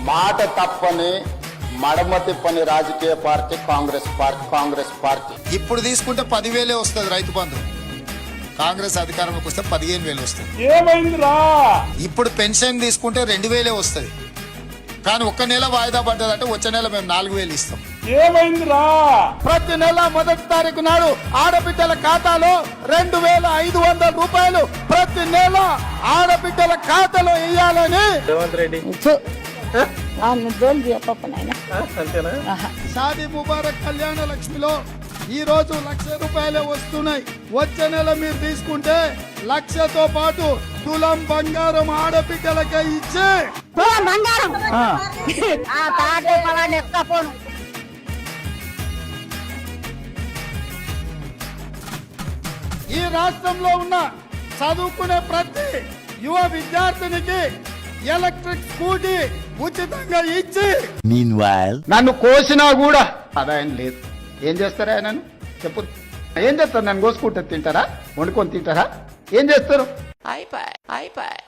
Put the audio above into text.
మాట తప్పని మడమ తిప్పని రాజకీయ పార్టీ కాంగ్రెస్ పార్టీ. ఇప్పుడు తీసుకుంటే 10,000 వస్తుంది రైతు బంధు. కాంగ్రెస్ అధికారంలోకి వస్తే 15,000 వస్తుంది. ఏమైందిరా? ఇప్పుడు పెన్షన్ తీసుకుంటే 2,000 వస్తుంది. కానీ ఒక్క నెల వాయిదా పడ్డదంటే వచ్చే నెల మేము 4,000 ఇస్తాం. ఏమైందిరా? ప్రతి నెల 1వ తారీఖు నాడు ఆడబిడ్డల ఖాతాలో 2,500 రూపాయలు ప్రతి నెల ఆడబిడ్డల ఖాతాలో వేయాలని రేవంత్ రెడ్డి షాదీ ముబారక్ కళ్యాణ లక్ష్మిలో ఈ రోజు 1,00,000 రూపాయలే వస్తున్నాయి. వచ్చే నెల మీరు తీసుకుంటే 1,00,000తో పాటు తులం బంగారం ఆడబిడ్డలకే ఇచ్చే బంగారం ఈ రాష్ట్రంలో ఉన్న చదువుకునే ప్రతి యువ విద్యార్థినికి ఎలక్ట్రిక్ స్కూటీ ఉచితంగా ఇచ్చి నన్ను కోసినా కూడా ఆదాయం లేదు. ఏం చేస్తారా నన్ను చెప్పు? ఏం చేస్తారు? నన్ను కోసుకుంటే తింటారా? వండుకొని తింటారా? ఏం చేస్తారు?